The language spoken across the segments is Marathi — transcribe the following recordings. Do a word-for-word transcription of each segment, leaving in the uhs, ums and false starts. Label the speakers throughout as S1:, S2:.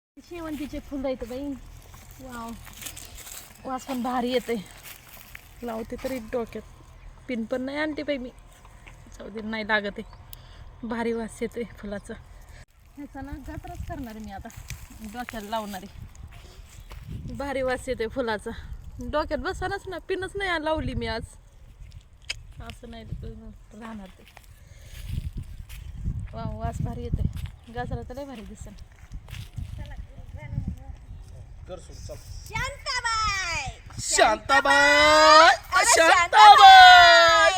S1: शेवंतीचे फुलं आहेत बाई. वाव, वास पण भारी येते. लावते तरी डोक्यात. पिन पण नाही आणते बाई मी. जाऊ दे, नाही लागत आहे. भारी वास येते फुलाचा. ह्याचा ना गजराच करणार आहे मी आता. डोक्याला लावणार आहे. भारी वास येते फुलाचा. डोक्यात बसानच ना, पिनच नाही लावली मी आज. असं नाही राहणार ते. वा, वास भारी येते. गजरा तर लय भारी दिसेल.
S2: शांताबाई
S3: शांताबाई शांताबाई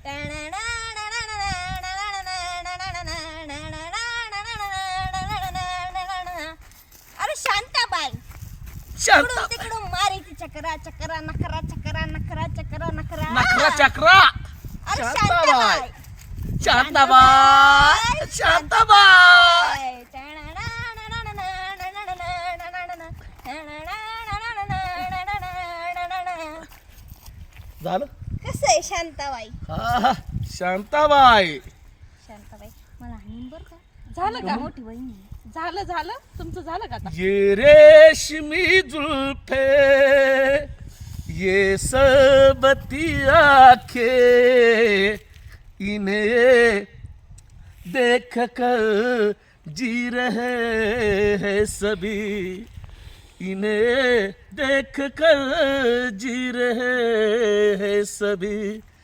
S2: अरे शांताबाई
S3: शांता
S2: तिकडून मारायची चक्रा चक्रा नखरा चक्रा नखरा चक्रा नखरा
S3: नखरा चक्रा.
S2: अरे
S3: शांताबाई शांताबाई शांताबाई झालं.
S2: कसं आहे शांताबाई?
S3: हा, शांताबाई
S2: शांताबाई मला आणून बरं का.
S1: झालं का?
S2: मोठी बहीण आहे.
S1: झालं झालं तुमचं झालं का आता?
S3: ये रेशमी जुल्फे ये सबती आंखें इन्हें देख कर जी रहे हैं सभी इन्हें देख कर जी रहे हैं सभी.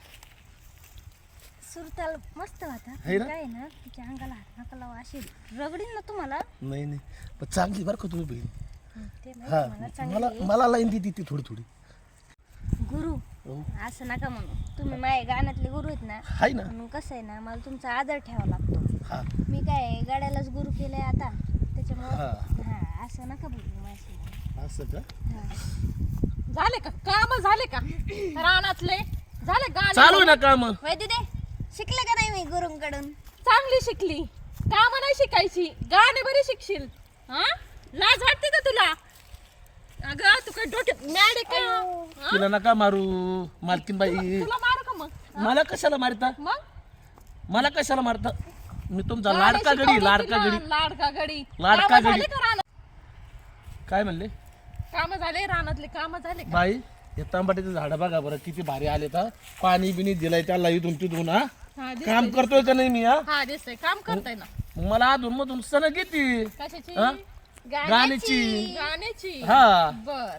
S2: सुरताल मस्त होता.
S3: है ना?
S2: काय ना तिच्या अंगाला हात नका लावा, अशी रगडीन ना तुम्हाला.
S3: नाही नाही पण चांगली बरं का तुम्ही बहीण.
S2: हं, ते
S3: हा
S2: माहिती मला चांगली
S3: मला
S2: आहे.
S3: मला लाईन देते ती थोडी थोडी.
S2: गुरु
S3: हो.
S2: असं नका म्हणू. तुम्ही माझ्या गाण्यातले गुरु आहेत ना,
S3: हाय ना.
S2: म्हणून कसं आहे ना, मला तुमचा आदर ठेवावा लागतो.
S3: हा
S2: मी काय गाड्यालाच गुरु केलंय आता, त्याच्यामुळं
S3: हा.
S2: हा असं नका बोलू माझ्याशी.
S3: असं का.
S2: हा.
S1: झाले का काम? झाले का रानातले? झाले गाणे?
S3: चालू आहे ना काम.
S2: वय दिदे शिकले का नाही मी गुरुंकडून?
S1: चांगली शिकली. काम नाही शिकायची, गाणे बरी शिकशील. हा, लाज वाटते का तुला? अगं तू काय डोक्यात मॅड आहे का? हा?
S3: तिला नका मारू मालकीन बाई.
S1: तुला मारू का मग?
S3: मला कशाला मारता?
S1: मग
S3: मला कशाला मारता? मी तुमचा
S1: गाणे
S3: लाडका
S1: शिकवली
S3: गडी लाडका
S1: तिला,
S3: गडी
S1: लाडका गडी.
S3: लाडका
S1: कामं
S3: गडी.
S1: झाले का रानात?
S3: काय म्हणले
S1: काम झाले रानातले? काम झाले का?
S3: बाई? हे तांबाट्याचे झाड बघा बरं किती भारी आले तर. पाणी बिनी दिलंय त्याला इथून तिथून. हा
S1: हा, दिसतंय,
S3: काम करतोय का नाही मी? हा
S1: हा दिसतंय काम करताय ना.
S3: मग मला अधून मधून सण घेते
S1: कशाची?
S3: हा?
S2: गाण्याची.
S3: गाण्याची.
S1: गाण्याची.
S3: हा.
S1: बर.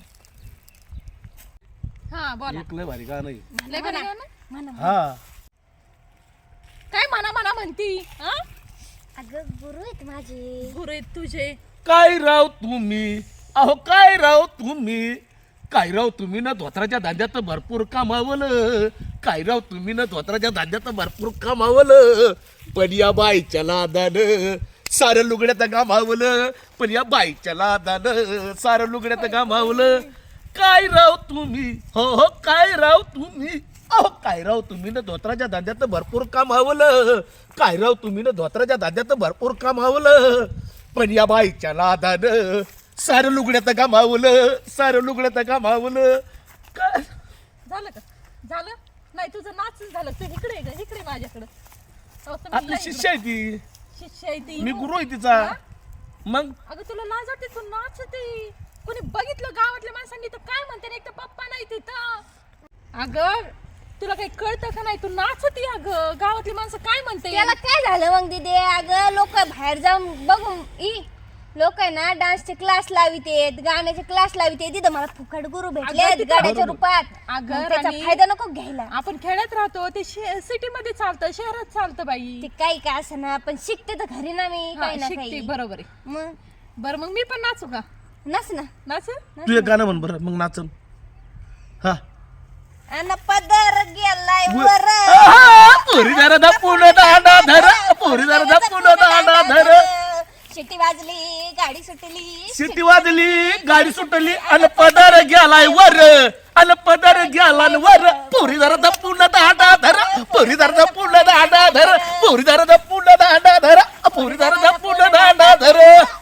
S1: हा बोला.
S3: एक लय भारी गाणं आहे.
S1: लय भारी गाणं?
S2: म्हणा
S3: हा
S1: काय म्हणा म्हणा म्हणती? हा,
S2: अगं गुरु आहेत माझे.
S1: गुरु आहेत तुझे.
S3: काय राव तुम्ही, अहो काय राव तुम्ही, काय राव तुम्ही ना धोत्राच्या धांद्यात भरपूर कमावलं. काय राव तुम्ही ना धोत्राच्या धांद्यात भरपूर कमावलं. पण या बाईच्या लादानं सारं लुगड्यात गमावलं. पण या बाईच्या लादानं सारं लुगड्यात गमावलं. काय राव तुम्ही, हो हो काय राव तुम्ही, अहो काय राव तुम्ही ना धोत्राच्या धांद्यात भरपूर कमावलं. काय राव तुम्ही ना धोत्राच्या धांद्यात भरपूर कमावलं. पण या बाईच्या लादानं सारं लुगड्यात गमावलं. सारं लुगड्यात गमावलं. काय
S1: झालं का? झालं नाही तुझं नाच झालं. तू इकडे ये ग, इकडे ये माझ्याकडं. अहो, तुम्ही
S3: आपली
S1: लय
S3: शिष्य आहे ती.
S1: इकडं. शिष्य आहे ती.
S3: मी गुरु आहे तिचा.
S1: हा?
S3: मग
S1: अगं तुला लाज वाटते? तू नाचते. कोणी बघितलं गावातल्या माणसांनी तर काय म्हणते? एक तर पप्पा नाही तिथं. अगं तुला काही कळतं का नाही? तू नाचते. अगं गावातली माणसं काय म्हणते?
S2: त्याला काय झालं मग दिदे? अगं लोक बाहेर जाऊन बघून ई लोक आहे ना डान्सचे क्लास लावितेत, गाण्याचे क्लास लावितेत. तिथं मला फुकट गुरु भेटले
S1: अगं, तिथं-
S2: गाड्याच्या रूपात.
S1: अगं,
S2: मग त्याचा
S1: राणी.
S2: फायदा नको घ्यायला.
S1: आपण खेड्यात राहतो, ते सिटी मध्ये चालतं, शहरात चालतं बाई.
S2: ते काही काय असं ना, पण शिकते तर घरी ना मी
S1: हा,
S2: काही ना
S1: शिकते,
S2: काही.
S1: बरोबर आहे.
S2: मग
S1: बरं मग मी पण नाचू का?
S2: नस ना.
S1: नाच.
S3: तू एक गाणं म्हण बरं मग नाचन. हा
S2: अन पदर गेलाय वर.
S3: पुरी जरा धपून दांडा धर, पुरी जरा धपून दांडा धर.
S2: शिटी वाजली, गाडी सुटली.
S3: शिटी वाजली, गाडी सुटली, अन पदर गेलाय वर, अन पदर गेला वर. पुरी जरा धपून दांडा धर, पुरी जरा धपून दांडा धर, पुरी जरा धपून दांडा धर, पुरी जरा धपून दांडा धर.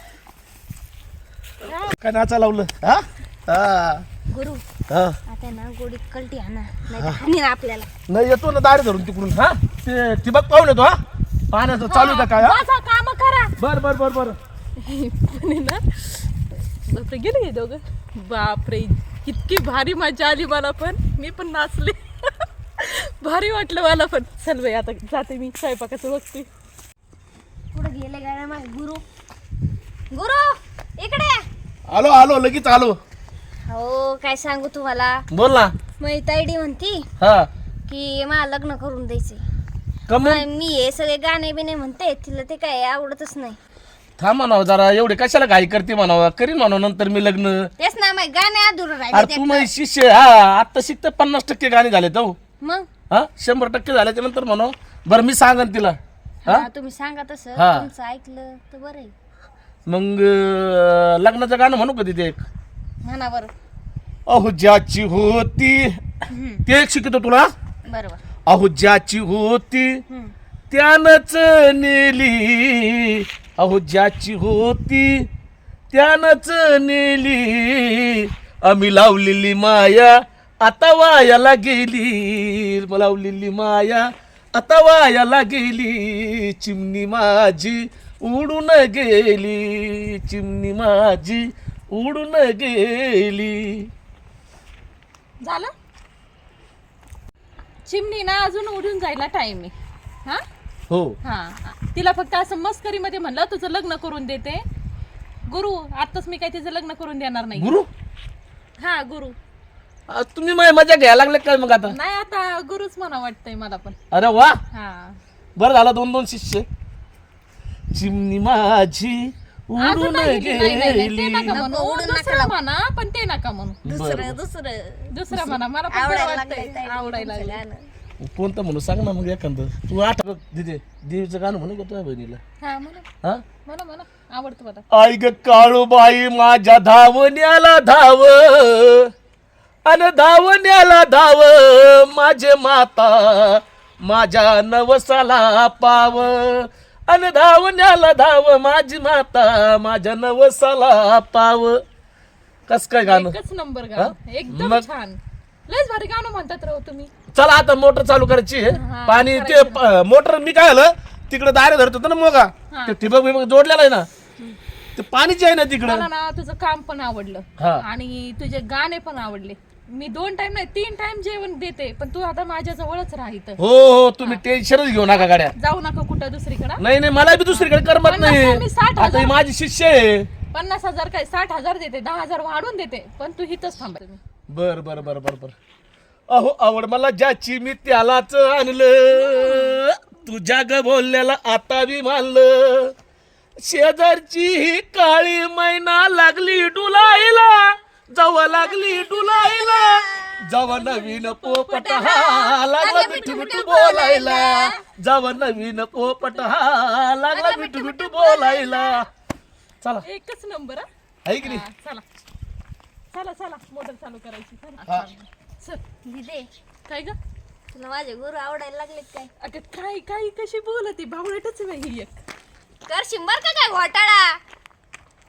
S3: काय नाचा लावलं? हा हा
S2: गुरु
S3: हा
S2: आता ना गोडीत कलटी आणा, नाही तर हाणीन आपल्याला.
S3: नाही येतो ना दारी धरून तिकडून. हा ते ठिबक पाहून येतो. हा पाण्याचं चालू आहे का काय? हा
S1: काम करा.
S3: बर बर बर बर
S1: पण आहे ना बापरे गेले हे दोघं. बापरे इतकी भारी मजा आली मला पण. मी पण नाचले. भारी वाटलं मला पण. चल बाई आता जाते मी स्वयंपाकाचं बघते.
S2: पुढे गेले गाड्या माझे गुरु. गुरु इकडे या.
S3: आलो आलो लगेच आलो.
S2: हो काय सांगू तुम्हाला.
S3: बोल ना.
S2: मग ताईडी म्हणती
S3: हा
S2: की मला लग्न करून द्यायचे.
S3: कम
S2: मी हे सगळे गाणे बिणे म्हणते तिला ते काय आवडतच नाही.
S3: थांब म्हणावं जरा एवढे कशाला घाई करते म्हणावं करीन म्हणावं नंतर मी लग्न.
S2: तेच ना मग गाणे अधुरं
S3: अरे
S2: राहिले
S3: तू
S2: ते.
S3: माझी शिष्य हा आता शिकत पन्नास टक्के गाणी झाले तो
S2: मग
S3: हा शंभर टक्के झाल्याच्या नंतर म्हणू बरं मी सांगन तिला. हा
S2: हा, तुम्ही सांगा तसं.
S3: हा.
S2: तुमचं ऐकलं तर बरं आहे.
S3: मग अं, लग्नाचं गाणं म्हणू का तिथे एक
S2: म्हणा बरं.
S3: अहो ज्याची होती ते एक शिकतो तुला.
S2: बरोबर.
S3: अहो ज्याची होती
S2: हम्म.
S3: त्यानंच नेली. अहो ज्याची होती त्यानंच नेली. आम्ही लावलेली माया आता वायाला गेली. लावलेली माया आता वायाला गेली. चिमणी माझी उडून गेली. चिमणी माझी उडून गेली.
S1: झालं. चिमणी ना अजून उडून जायला टाइम आहे. हा
S3: हो
S1: हा तिला फक्त असं मस्करीमध्ये म्हणलं तुझं लग्न करून देते. गुरु आताच मी काय तिचं लग्न करून देणार नाही.
S3: गुरु
S1: हा गुरु
S3: आ, तुम्ही माझी मजा घ्यायला लागले काय मग आता.
S1: नाही आता गुरुच म्हणा वाटतंय मला पण.
S3: अरे वा
S1: हा
S3: बरं झालं दोन दोन शिष्य. चिमणी माझी
S1: असं
S3: उडून
S1: नाही, नाही, नाही, नाही, ते
S3: गेली.
S1: नका म्हणू.
S2: नको, उडून नका
S1: दुसरं
S2: लावू.
S1: म्हणा पण ते नका म्हणू.
S2: दुसरं दुसरं
S1: दुसरं म्हणा मला पण बरं
S2: आवडायला
S1: वाटतंय.
S2: लागलंय ताईडी
S1: आवडायला
S2: तुमचं
S1: लागलंय.
S2: गाणं.
S3: कोणतं म्हणू सांग ना मग एखादं. तू आठवत दिदे देवीचं गाणं म्हणू का तुझ्या बहिणीला.
S1: हा म्हणा
S3: हा
S1: म्हणा म्हणा आवडतं मला.
S3: आई ग काळूबाई माझ्या धावण्याला धाव अन धावण्याला धाव माझे माता माझ्या नवसाला पाव. अन धावण्याला धाव माझी माता माझ्या नवसाला पाव. कस काय गाणं.
S1: एकच नंबर गाणं एकदम
S3: मग-
S1: छान. लयच भारी गाणं म्हणतात राव तुम्ही.
S3: चला आता मोटर चालू करायची आहे.
S1: हा,
S3: पाणी ते प- मोटर मी काय आलं तिकडे दारे धरत होतं ना मोगा
S1: हा.
S3: ते ठिबक बिबक जोडलेला आहे ना ते पाणीच आहे ना तिकडं.
S1: मला ना तुझं काम पण आवडलं
S3: हा.
S1: आणि तुझे गाणे पण आवडले. मी दोन टाइम नाही तीन टाइम जेवण देते पण तू आता माझ्या जवळच राहित.
S3: हो हो तुम्ही टेन्शनच घेऊ नका गाड्या.
S1: जाऊ नका कुठं दुसरीकडं.
S3: नाही नाही मला बी दुसरीकडे करमत
S1: पन्नास
S3: नाही.
S1: मी साठ
S3: आता
S1: हजार-
S3: ही माझी शिष्य आहे.
S1: पन्नास हजार काय साठ हजार देते दहा हजार वाढून देते पण तू हिथच थांबायचं.
S3: बर बर बर बर बर. अहो आवड मला ज्याची मी त्यालाच आणलं. तुझ्या ग बोलल्याला आता बी मानलं. शेजारची ही काळी मैना लागली डुलायला जवा लागली डुलायला जवा नवीन पोपट हा लागला मिठू मिठू बोलायला. जवा नवीन पोपट हा लागला मिठू मिठू बोलायला. चला
S1: एकच नंबर हा.
S3: आहे की नाही.
S1: हा, चला चला चला मोटर चालू करायची. चला.
S3: हा.
S1: चल.
S2: दिदे
S1: काय ग
S2: तुला माझे गुरु आवडायला लागले काय.
S1: अगं काय काय कशी बोलती भावळटच आहे बाई ही एक.
S2: कर शिंबर का काय घोटाळा.